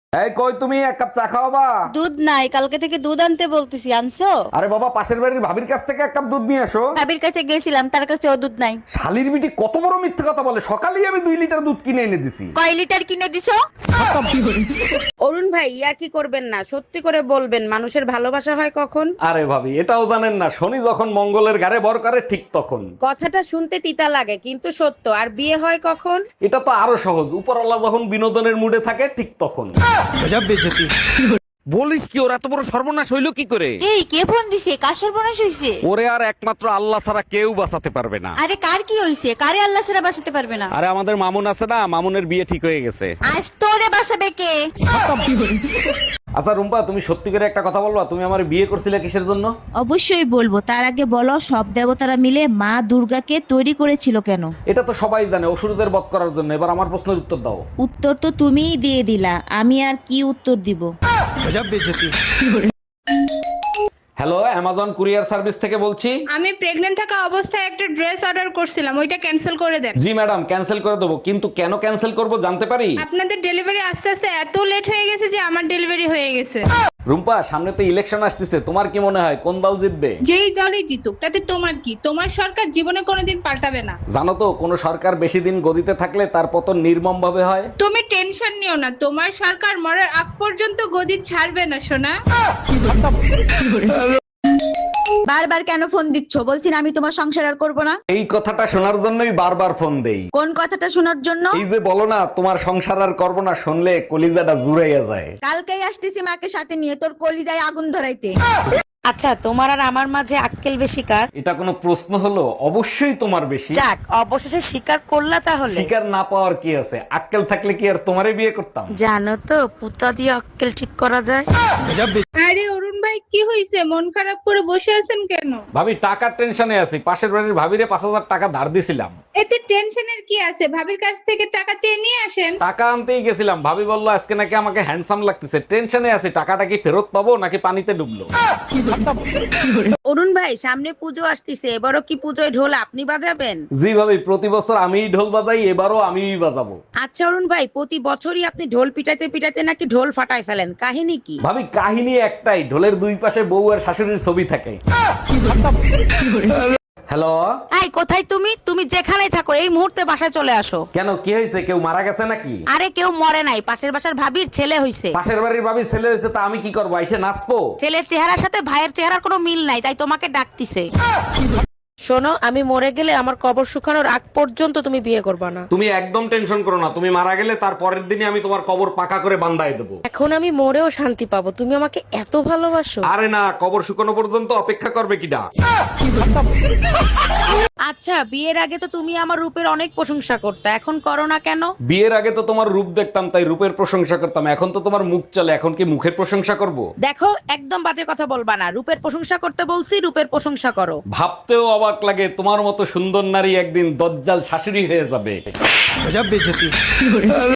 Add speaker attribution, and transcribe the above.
Speaker 1: এই কই তুমি, এক কাপ চা খাওয়াবা?
Speaker 2: দুধ নাই, কালকে থেকে দুধ আনতে বলতেছি, আনছো?
Speaker 1: আরে বাবা, পাশের বাড়ির ভাবির কাছ থেকে এক কাপ দুধ নিয়ে আসো।
Speaker 2: ভাবির কাছে গেছিলাম, তার কাছে ও দুধ নাই।
Speaker 1: শালির বিটি কত বড় মিথ্যে কথা বলে, সকালেই আমি 2 লিটার দুধ কিনে এনে দিছি।
Speaker 2: কয় লিটার কিনে দিছো?
Speaker 3: অরুণ ভাই ইয়ার কি করবেন না, সত্যি করে বলবেন মানুষের ভালোবাসা হয় কখন?
Speaker 1: আরে ভাবি, এটাও জানেন না, শনি যখন মঙ্গলের ঘাড়ে ভর করে ঠিক তখন।
Speaker 3: কথাটা শুনতে তিতা লাগে কিন্তু সত্য। আর বিয়ে হয় কখন?
Speaker 1: এটা তো আরো সহজ, উপরওয়ালা যখন বিনোদনের মুডে থাকে ঠিক তখন। বলিস কি, ওর এত বড় সর্বনাশ হইলো কি করে?
Speaker 2: এই কে ফোন দিছে? কার সর্বনাশ হইছে?
Speaker 1: ওরে আর একমাত্র আল্লাহ ছাড়া কেউ বাঁচাতে পারবে না।
Speaker 2: আরে কার কি হইছে? কারে আল্লাহ ছাড়া বাঁচাতে পারবে না?
Speaker 1: আরে আমাদের মামুন আছে না, মামুনের বিয়ে ঠিক হয়ে গেছে।
Speaker 2: আজ তোরে বাঁচাবে কে?
Speaker 1: আচ্ছা রুম্পা, তুমি সত্যি করে একটা কথা বলবা, তুমি আমার বিয়ে করছিলে কিসের জন্য?
Speaker 4: অবশ্যই বলবো, তার আগে বলো সব দেবতারা মিলে মা দুর্গাকে তৈরি করেছিল কেন?
Speaker 1: এটা তো সবাই জানে, অসুরদের বধ করার জন্য। এবার আমার প্রশ্নের উত্তর দাও।
Speaker 4: উত্তর তো তুমিই দিয়ে দিলা, আমি আর কি উত্তর দিব?
Speaker 1: হ্যালো, অ্যামাজন কুরিয়ার সার্ভিস থেকে বলছি।
Speaker 5: আমি প্রেগন্যান্ট থাকা অবস্থায় একটা ড্রেস অর্ডার করছিলাম, ওইটা ক্যান্সেল করে দেন।
Speaker 1: জি ম্যাডাম, ক্যান্সেল করে দেবো, কিন্তু কেন ক্যান্সেল করব জানতে পারি?
Speaker 5: আপনাদের ডেলিভারি আস্তে আস্তে এত লেট হয়ে গেছে যে আমার ডেলিভারি হয়ে গেছে।
Speaker 1: রুম্পা, সামনে তো ইলেকশন আসতেছে, তোমার কি মনে হয় কোন দল জিতবে?
Speaker 5: যেই দলই জিতুক তাতে তোমার কি? তোমার সরকার জীবনে কোনোদিন পাল্টাবে না।
Speaker 1: জানো তো, কোন সরকার বেশি দিন গদিতে থাকলে তার পতন নির্মম ভাবে হয়।
Speaker 5: তুমি টেনশন নিও না, তোমার সরকার মরার আগ পর্যন্ত গদি ছাড়বে না সোনা।
Speaker 2: বারবার কেন ফোন দিচ্ছ? বলছি না আমি তোমার সংসার আর করবো না।
Speaker 1: এই কথাটা শোনার জন্যই বারবার ফোন দেই।
Speaker 2: কোন কথাটা শোনার জন্য?
Speaker 1: এই যে বলো না তোমার সংসার আর করবো না, শুনলে কলিজাটা জুড়াইয়া যায়।
Speaker 2: কালকেই আসতেছি মাকে সাথে নিয়ে তোর কলিজায় আগুন ধরাইতে।
Speaker 3: আচ্ছা, তোমার আর আমার মাঝে আক্কেল বেশি কার?
Speaker 1: এটা কোনো প্রশ্ন হলো? অবশ্যই তোমার বেশি।
Speaker 3: যাক, অবশেষে স্বীকার করলা তাহলে।
Speaker 1: শিকার না পাওয়ার কি আছে? আক্কেল থাকলে কি আর তোমারে বিয়ে করতাম?
Speaker 3: জানো তো, পুতা দিয়ে আক্কেল ঠিক করা যায়।
Speaker 5: আরে অরুণ ভাই, কি হয়েছে? মন খারাপ করে বসে আছেন কেন?
Speaker 1: ভাবি, টাকার টেনশনে আছি। পাশের বাড়ির ভাবিরে 5,000 টাকা ধার দিছিলাম।
Speaker 5: এতে টেনশনের কি আছে? ভাবির কাছ থেকে টাকা চেয়ে নিয়ে আসেন।
Speaker 1: টাকা আনতেই গেছিলাম, ভাবি বললো আজকে নাকি আমাকে হ্যান্ডসাম লাগতেছে। টেনশনে আছি, টাকাটা কি ফেরত পাবো নাকি পানিতে ডুবলো।
Speaker 3: অরুণ ভাই, সামনে পুজো আসতেছে, এবারও কি পুজোয় ঢোল আপনি বাজাবেন?
Speaker 1: জি ভাবি, প্রতি বছর আমিই ঢোল বাজাই, এবারও আমিই বাজাবো।
Speaker 3: আচ্ছা অরুণ ভাই, প্রতি বছরই আপনি ঢোল পিটাইতে পিটাইতে নাকি ঢোল ফাটায় ফেলেন, কাহিনী কি?
Speaker 1: ভাবি, কাহিনী একটাই, ঢোলের দুই পাশে বউ আর শাশুড়ির ছবি থাকে। হ্যালো।
Speaker 3: এই কোথায় তুমি? তুমি যেখানেই থাকো এই মুহূর্তে বাসায় চলে আসো।
Speaker 1: কেন, কি হয়েছে? কেউ মারা গেছে নাকি?
Speaker 3: আরে কেউ মরে নাই, পাশের বাসার ভাবির ছেলে হইছে।
Speaker 1: পাশের বাড়ির ভাবির ছেলে হয়েছে, তা আমি কি করবো? এসে নাচবো?
Speaker 3: ছেলের চেহারার সাথে ভাইয়ের চেহারার কোনো মিল নাই, তাই তোমাকে ডাকতিছে। শোনো, আমি মরে গেলে আমার কবর শুকানোর আগ পর্যন্ত তুমি বিয়ে করবে না।
Speaker 1: তুমি একদম টেনশন করো না, তুমি মারা গেলে তার পরের দিনই আমি তোমার কবর পাকা করে বান্ধাই দেবো।
Speaker 3: এখন আমি মরেও শান্তি পাবো, তুমি আমাকে এত ভালোবাসো।
Speaker 1: আরে না, কবর শুকানো পর্যন্ত অপেক্ষা করবে কিডা?
Speaker 3: আচ্ছা, বিয়ের আগে তো তুমি আমার রূপের অনেক প্রশংসা করতে, এখন করো না কেন?
Speaker 1: বিয়ের আগে তো তোমার রূপ দেখতাম, তাই রূপের প্রশংসা করতাম। এখন তো তোমার মুখ চলে, এখন কি মুখের প্রশংসা করব?
Speaker 3: দেখো, একদম বাজে কথা বলবা না। রূপের প্রশংসা করতে বলছি, রূপের প্রশংসা করো।
Speaker 1: ভাবতেও অবাক লাগে, তোমার মতো সুন্দর নারী একদিন দজ্জাল শাশুড়ি হয়ে যাবে।